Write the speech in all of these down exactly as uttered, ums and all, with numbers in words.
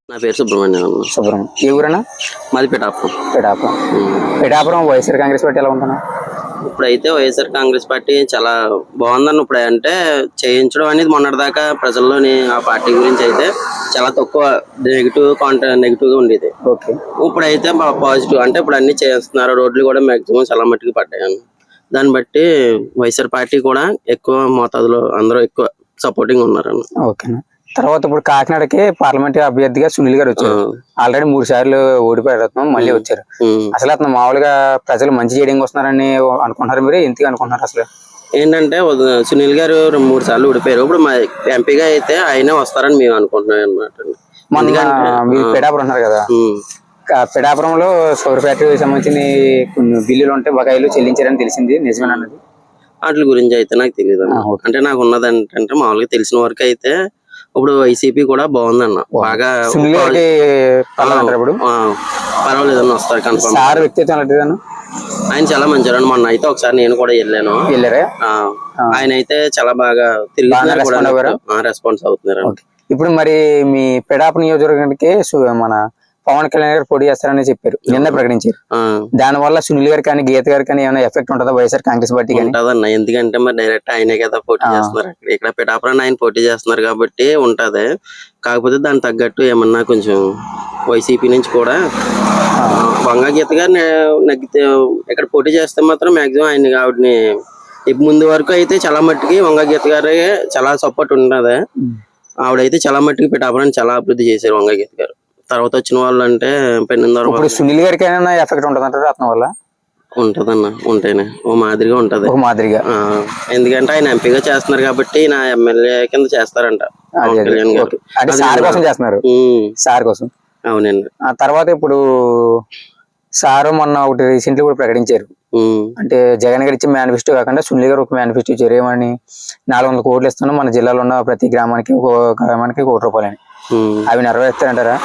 నా పేరు సుబ్రహ్మణ్యం. సుబ్రహ్మణ్యం ఏ ఊరన్నా? మాది పిఠాపురం. పిఠాపురం పిఠాపురం వైఎస్ఆర్ కాంగ్రెస్ పార్టీ ఎలా ఉంటున్నా? ఇప్పుడైతే వైఎస్ఆర్ కాంగ్రెస్ పార్టీ చాలా బాగుందన్న. ఇప్పుడు అంటే చేయించడం అనేది మొన్నటిదాకా ప్రజల్లోని ఆ పార్టీ గురించి అయితే చాలా తక్కువ నెగిటివ్ కాంట నెగిటివ్ గా ఉండేది. ఓకే, ఇప్పుడైతే పాజిటివ్ అంటే ఇప్పుడు అన్ని చేస్తున్నారు. రోడ్లు కూడా మాక్సిమం చాలా మట్టుకు పడ్డాయి. దాన్ని బట్టి వైఎస్ఆర్ పార్టీ కూడా ఎక్కువ మోతాదులో అందరూ ఎక్కువ సపోర్టింగ్ ఉన్నారు. ఓకేనా. తర్వాత ఇప్పుడు కాకినాడకి పార్లమెంట్ అభ్యర్థిగా సునీల్ గారు వచ్చారు. ఆల్రెడీ మూడు సార్లు ఓడిపోయారు, మళ్ళీ వచ్చారు. అసలు అతను మామూలుగా ప్రజలు మంచి చేయడానికి వస్తున్నారని అనుకుంటున్నారు, మీరు ఎందుకు అనుకుంటున్నారు? అసలు ఏంటంటే సునీల్ గారు మూడు సార్లు ఓడిపోయారు. ఇప్పుడు మా ఎంపీగా అయితే ఆయనే వస్తారని మేము అనుకుంటున్నాం అనమాట. మీరు పిఠాపురం ఉన్నారు కదా, పిఠాపురంలో సౌర ఫ్యాక్టరీకి సంబంధించిన కొన్ని బిల్లులు ఉంటే బకాయిలు చెల్లించారని తెలిసింది, నిజమేనన్నది? వాటి గురించి అయితే నాకు తెలియదు. అంటే నాకు ఉన్నది ఏంటంటే మామూలుగా తెలిసిన వరకు అయితే ఇప్పుడు వైసీపీ కూడా బాగుందన్న. బాగా పర్వాలేదు అన్న, వస్తారు కన్ఫర్మ్. ఆయన చాలా మంచివారు. మొన్న అయితే ఒకసారి నేను కూడా వెళ్ళాను. ఆయన అయితే చాలా బాగా తిరిగి రెస్పాన్స్ అవుతున్నారు. ఇప్పుడు మరి మీ పిఠాపురం నియోజకవర్గానికి మన పవన్ కళ్యాణ్ గారు పోటీ చేస్తారని చెప్పారు, నిన్న ప్రకటించారు. దాని వల్ల సునీల్ గారు కానీ గీత గారు కానీ ఏమైనా ఎఫెక్ట్ ఉంటుందా వైఎస్ఆర్ కాంగ్రెస్ పార్టీ? ఉంటదన్న, ఎందుకంటే మరి డైరెక్ట్ ఆయనే కదా పోటీ చేస్తున్నారు. ఇక్కడ పిఠాపురాన్ని ఆయన పోటీ చేస్తున్నారు కాబట్టి ఉంటది. కాకపోతే దానికి తగ్గట్టు ఏమన్నా కొంచెం వైసీపీ నుంచి కూడా వంగ గీత గారు నగ్గితే ఇక్కడ పోటీ చేస్తే మాత్రం మాక్సిమం ఆయన ఆవిడని ముందు వరకు అయితే చాలా మట్టుకి వంగ గీత గారే చాలా సపోర్ట్ ఉంటది. ఆవిడైతే చాలా మట్టుకి పిఠాపురాన్ని చాలా అభివృద్ధి చేశారు వంగ గీత గారు. తర్వాత వచ్చిన వాళ్ళు అంటే పెన్నిందర సునీల్ గారికి ఏమైనా ఎఫెక్ట్ ఉంటుందంటారు అతని వల్ల? ఉంటదన్న, ఉంటేనే ఓ మాదిరిగా ఉంటది. ఒక మాదిరిగా ఎందుకంటే ఆయన ఎంపీగా చేస్తున్నారు కాబట్టి నా ఎమ్మెల్యే కింద చేస్తారంట పవన్ కళ్యాణ్ గారు. సార్ కోసం చేస్తున్నారు, సార్ కోసం. అవునండి. ఆ తర్వాత ఇప్పుడు సార్ మొన్న ఒకటి రీసెంట్లీ కూడా ప్రకటించారు, అంటే జగన్ గారు ఇచ్చే మేనిఫెస్టో కాకుండా సునీల్ గారు ఒక మేనిఫెస్టో ఇచ్చారు. ఏమని? నాలుగు వందల కోట్లు ఇస్తున్నాం మన జిల్లాలో ఉన్న ప్రతి గ్రామానికి ఒక గ్రామానికి కోటి రూపాయలని. అవి నెరవేరుస్తారంటారా?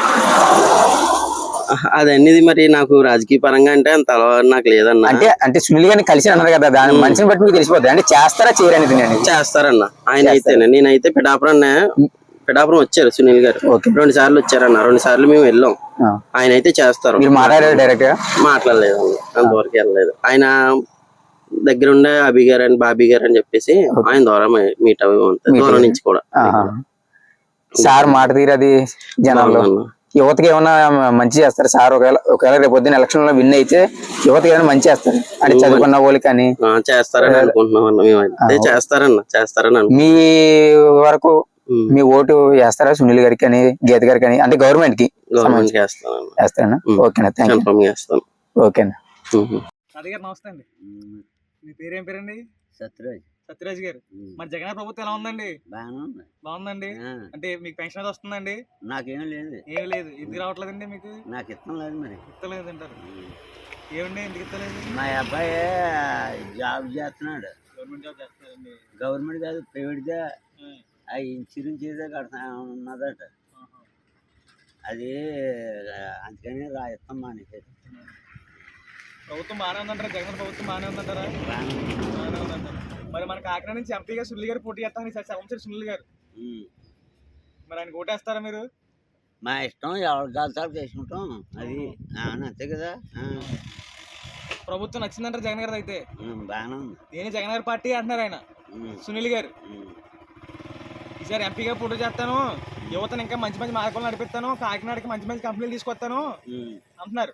అదన్నది మరి నాకు రాజకీయ పరంగా అంటే అంత అలవాటు నాకు లేదన్న. అంటే అంటే సునీల్ గారిని కలిసి అన్నారు కదా, దాని మనిషిని బట్టి మీకు తెలిసిపోద్ది. అంటే చేస్తారా చేయరనేది? చేస్తారన్న ఆయన అయితే. నేనైతే పిఠాపురం పిఠాపురం వచ్చారు సునీల్ గారు, రెండు సార్లు వచ్చారన్న. రెండు సార్లు మేము వెళ్ళాం. ఆయన అయితే చేస్తారు. మీరు మాట్లాడారు డైరెక్ట్ గా? మాట్లాడలేదు అన్న, అంతవరకు వెళ్ళలేదు. ఆయన దగ్గర ఉండే అభి గారు అని బాబీ గారు అని చెప్పేసి ఆయన ద్వారా మీట్ అవి ఉంటాయి, దూరం నుంచి కూడా. సార్ మాట తీరది జనాల్లో యువతకి ఏమన్నా మంచి చేస్తారు సార్? ఒకవేళ ఒకవేళ రేపు పొద్దున్న ఎలక్షన్ లో విన్ అయితే యువతకి ఏమైనా మంచి చేస్తారు అంటే చదువుకున్న వాళ్ళకి కానీ? చేస్తారని అనుకుంటున్నాం అన్న, మేమైతే చేస్తారన్న చేస్తారని. మీ వరకు మీ ఓటు వేస్తారా సునీల్ గారికి కానీ గీత గారికి కానీ, అంటే గవర్నమెంట్ కి వేస్తారన్నా? ఓకేనా, థ్యాంక్ యూ. ఓకేనా. నమస్తే అండి, మీ పేరేం పేరండి? సత్యరాజ్. సత్యరాజ్ గారు, మరి జగన్ ప్రభుత్వం ఎలా ఉందండి? బాగుందండి. అంటే మీకు పెన్షన్ వస్తుందండి? నాకేం లేదు. ఏం లేదు. ఎందుకు రావట్లేదండి మీకు? నాకు ఇష్టం లేదు. మరి ఇస్తలేదు అంటారు. ఏమండి ఎందుకు ఇస్తలేదు? మా అబ్బాయి జాబ్ చేస్తున్నాడు. గవర్నమెంట్ జాబ్ చేస్తున్నాడండి? గవర్నమెంట్ కాదు, ప్రైవేట్ గా. ఆ ఇన్సూరెన్స్ ఏదో కడతా ఉన్నదట. అది అందుకని రా ఇస్తాం మానేసారు. ప్రభుత్వం బాగానే ఉందంటారా? జగన్ ప్రభుత్వం బాగానే ఉందంటారా? బాగానే ఉందంటారా? మరి మన కాకినాడ నుంచి ఎంపీగా సునీల్ గారు పోటీ చేస్తామని సంవత్సరం సునీల్ గారు, మరి ఆయన ఓటేస్తారా మీరు? మా ఇష్టం, ఎవరి గాల్సాలు చేసుకుంటాం. అది అంతే కదా. ప్రభుత్వం నచ్చిందంటారు జగన్ గారు అయితే? బాగానే ఉంది. నేను జగన్ గారి పార్టీ అంటున్నారు ఆయన సునీల్ గారు. ఈసారి ఎంపీగా పోటీ చేస్తాను, యువతను ఇంకా మంచి మంచి మార్గాలు నడిపిస్తాను, కాకినాడకి మంచి మంచి కంపెనీలు తీసుకొస్తాను అంటున్నారు.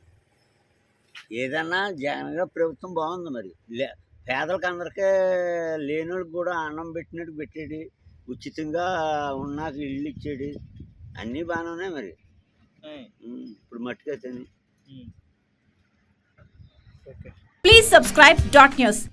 ఏదన్నా జగన్ గారి ప్రభుత్వం బాగుంది. మరి పేదలకు అందరికీ లేని వాళ్ళకి కూడా అన్నం పెట్టినట్టు పెట్టేది, ఉచితంగా ఉన్నాక ఇల్లు ఇచ్చేది, అన్నీ బాగానే ఉన్నాయి. మరి ఇప్పుడు మట్టుకైతే. Please subscribe dot news.